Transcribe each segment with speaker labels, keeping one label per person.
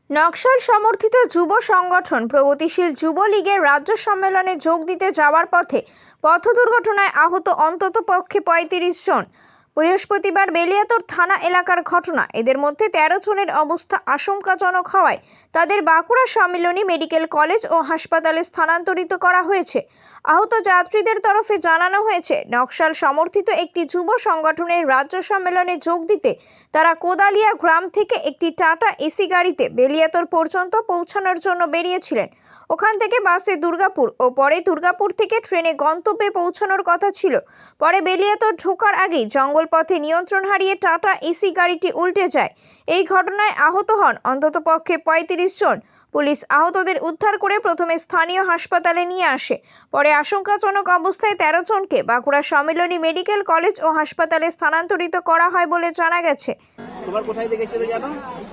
Speaker 1: নকশাল সমর্থিত যুব সংগঠন প্রগতিশীল যুব লীগের রাজ্য সম্মেলনে যোগ দিতে যাওয়ার পথে পথ দুর্ঘটনায় আহত অন্ততপক্ষে ৩৫ জন। বৃহস্পতিবার বেলিয়াতোড় থানা এলাকার ঘটনা। এদের মধ্যে ১৩ জনের অবস্থা আশঙ্কাজনক হওয়ায় তাদের বাঁকুড়া সম্মিলনী মেডিকেল কলেজ ও হাসপাতালে স্থানান্তরিত করা হয়েছে। আহত যাত্রীদের তরফে জানানো হয়েছে, নকশাল সমর্থিত একটি যুব সংগঠনের রাজ্য সম্মেলনে যোগ দিতে তারা কোদালিয়া গ্রাম থেকে একটি টাটা এসি গাড়িতে বেলিয়াতোড় পর্যন্ত পৌঁছানোর জন্য বেরিয়েছিলেন। ওখান থেকে বাসে দুর্গাপুর ও পরে দুর্গাপুর থেকে ট্রেনে গন্তব্যে পৌঁছানোর কথা ছিল। পরে বেলিয়াতোড় ঢোকার আগেই জঙ্গল পথে নিয়ন্ত্রণ হারিয়ে টাটা এসি গাড়িটি উল্টে যায়। এই ঘটনায় আহত হন অন্ততপক্ষে ৩৫ জন। পুলিশ আহতদের উদ্ধার করে প্রথমে স্থানীয় হাসপাতালে নিয়ে আসে। পরে আশঙ্কাজনক অবস্থায় ১৩ জনকে বাঁকুড়া সম্মিলনী মেডিকেল কলেজ ও হাসপাতালে স্থানান্তরিত করা হয় বলে জানা গেছে।
Speaker 2: তোমার কোথায় লেগেছিল জানো?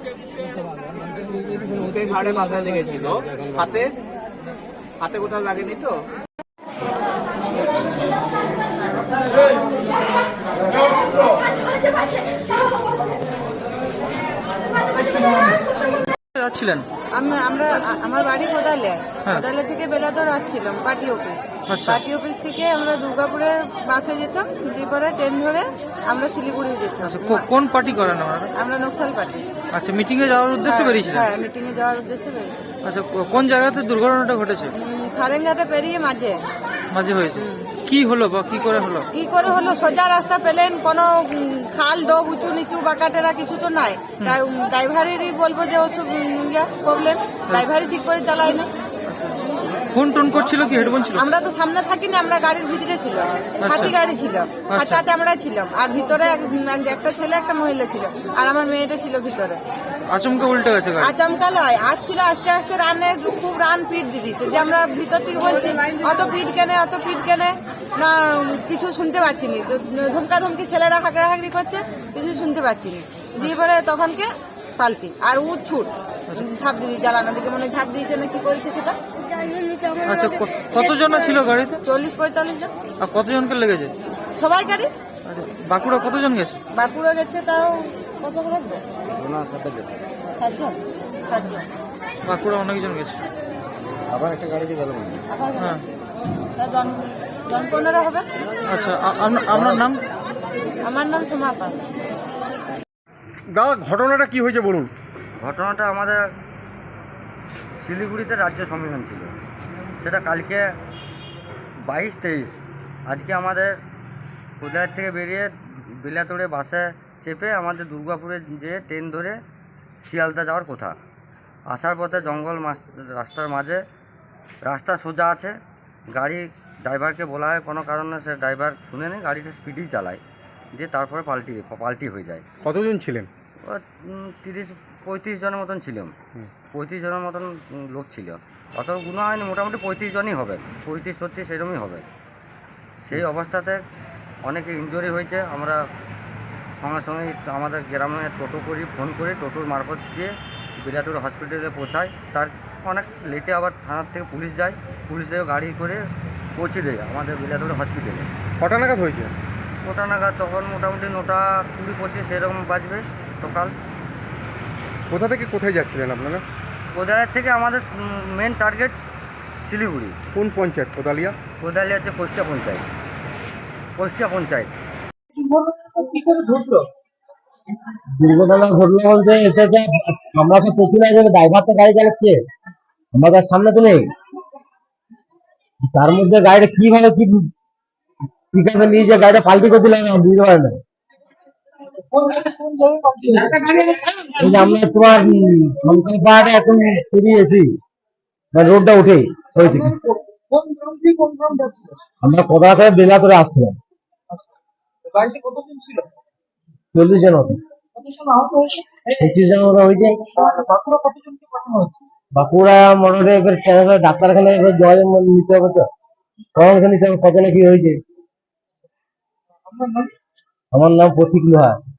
Speaker 2: মুখে ঘাড়ে মাথায় লেগেছিল, হাতে হাতে কোথাও লাগেনি তো?
Speaker 3: যাচ্ছিলেন?
Speaker 4: আমরা আমার বাড়ি কোদালিয়া। কোদালিয়া থেকে বেলাদর আসছিলাম পার্টি অফিস। পার্টি অফিস থেকে আমরা দুর্গাপুরে বাসে যেতাম, দুপুরে ট্রেন ধরে আমরা শিলিগুড়ি যেতাম।
Speaker 3: কোন পার্টি করেন আপনারা?
Speaker 4: আমরা নকশাল পার্টি।
Speaker 3: আচ্ছা, মিটিং এ যাওয়ার উদ্দেশ্যে বেরিয়েছিলেন?
Speaker 4: হ্যাঁ, মিটিং এ যাওয়ার উদ্দেশ্যে বেরিয়েছিলাম।
Speaker 3: আচ্ছা, কোন জায়গাতে দুর্ঘটনাটা ঘটেছে?
Speaker 4: সারেঙ্গাটা পেরিয়ে মাঝে
Speaker 3: হয়েছে। কি হলো বা কি করে হলো?
Speaker 4: সোজা রাস্তা পেলেন, কোনো খাল ডোব উঁচু নিচু বাঁকাটেরা কিছু তো নাই। ড্রাইভারেরই বলবো যে ওসব প্রবলেম, ড্রাইভারই ঠিক করে চালায় না।
Speaker 3: ফোন টোন করছিল কি হেডফোন ছিল?
Speaker 4: আমরা তো সামনে থাকিনি, আমরা গাড়ির ভিতরে ছিল, হাতি গাড়ি ছিল, আর তাতে আমরা ছিলাম, আর ভিতরে একটা ছেলে একটা মহিলা ছিল, আর আমার মেয়েটা ছিল ভিতরে।
Speaker 3: আচমকা উল্টে গেছে গাড়ি?
Speaker 4: আচমকা লয়, আসছিল আস্তে আস্তে রানের খুব রান পিট দিয়েছে, যে আমরা ভিতর থেকে বলছি অত পিট কেনে না, কিছু শুনতে পাচ্ছি নি। ধমকা ধমকি ছেলেরা হাঁকড়াহাঁকড়ি করছে, কিছু শুনতে পাচ্ছি নি। দিয়ে পরে তখনকে পাল্টি আর উঠ ছুট ঝাঁপ দিয়ে জ্বালানো দিকে মনে ঝাঁপ দিয়েছে না কি করেছে সেটা।
Speaker 3: আচ্ছা, কতজন ছিল গাড়িতে?
Speaker 4: ৪০-৪৫ জন।
Speaker 3: আর কতজনকে লেগেছে?
Speaker 4: সবাই গাড়ি।
Speaker 3: আচ্ছা, বাঁকুড়া কতজন গেছে?
Speaker 4: বাঁকুড়া গেছে তাও কত লাগবে? ৭জন।
Speaker 3: বাঁকুড়া অনেকজন গেছে।
Speaker 2: আবার একটা গাড়িতে গেল।
Speaker 3: হ্যাঁ,
Speaker 4: জন ১৫ হবে।
Speaker 3: আচ্ছা, আপনার নাম?
Speaker 4: আমার নাম সোমা পাল।
Speaker 5: দাদা, ঘটনাটা কি হয়েছে বলুন।
Speaker 6: ঘটনাটা আমাদের শিলিগুড়িতে রাজ্য সম্মেলন ছিল, সেটা কালকে ২২-২৩। আজকে আমাদের কোদালিয়া থেকে বেরিয়ে বেলিয়াতোড়ে বাসে চেপে আমাদের দুর্গাপুরে যেয়ে ট্রেন ধরে শিয়ালদা যাওয়ার কথা। আসার পথে জঙ্গল রাস্তার মাঝে, রাস্তা সোজা আছে, গাড়ি ড্রাইভারকে বলা হয় কোনো কারণে সে ড্রাইভার শুনে নেই, গাড়িটা স্পিডেই চালায়, দিয়ে তারপরে পাল্টি হয়ে যায়।
Speaker 5: কতজন ছিলেন?
Speaker 6: ৩০-৩৫ জনের মতন ছিলাম। ৩৫ জনের মতন লোক ছিল, অত গুণ হয়নি, মোটামুটি ৩৫ জনই হবে, ৩৫-৩৬ সেরকমই হবে। সেই অবস্থাতে অনেকে ইনজুরি হয়েছে। আমরা সঙ্গে সঙ্গে আমাদের গ্রামে টোটো করি, ফোন করে টোটোর মারফত দিয়ে বেলিয়াতোড় হসপিটালে পৌঁছায়। তার অনেক লেটে আবার থানার থেকে পুলিশ যায়, পুলিশ থেকে গাড়ি করে পৌঁছে দেয় আমাদের বেলিয়াতোড় হসপিটালে।
Speaker 5: কটা নাগাদ হয়েছে?
Speaker 6: ওটা নাগাদ তখন মোটামুটি ৯:২০-২৫ এরকম বাজবে সকাল।
Speaker 5: কোথা থেকে কোথায় যাচ্ছিলেন আপনারা?
Speaker 6: কোদালিয়া থেকে আমাদের মেন টার্গেট শিলিগুড়ি।
Speaker 5: কোন পঞ্চায়েত? কোদালিয়া?
Speaker 6: কোদালিয়া হচ্ছে কোষ্টা পঞ্চায়েত।
Speaker 7: দুর্ঘটনা ঘটলো বলতে এটা আমরা তো পেছনে যাবে, ড্রাইভার তো গাড়ি চালাচ্ছে, আমাদের সামনে তো নেই। তার মধ্যে গাড়িটা কিভাবে কিভাবে নিয়ে যে গাড়িটা পাল্টি করে দিলাম বুঝতে পারে না। আমরা তোমার শঙ্কর পাহাড়ে এখন পেরিয়েছি, রোডটা উঠে হয়েছে। আমরা কোদালিয়া থেকে বেলিয়াতোড়ে আসছিলাম। ৪০ জন মতো। ২৫ জন মতো হয়েছে। বাঁকুড়া মোটরে এবার ডাক্তারখানা যোগাযোগ নিতে হবে, তো পরামর্শ নিতে হবে কত না কি হয়েছে। আমার নাম প্রতীক লোহার।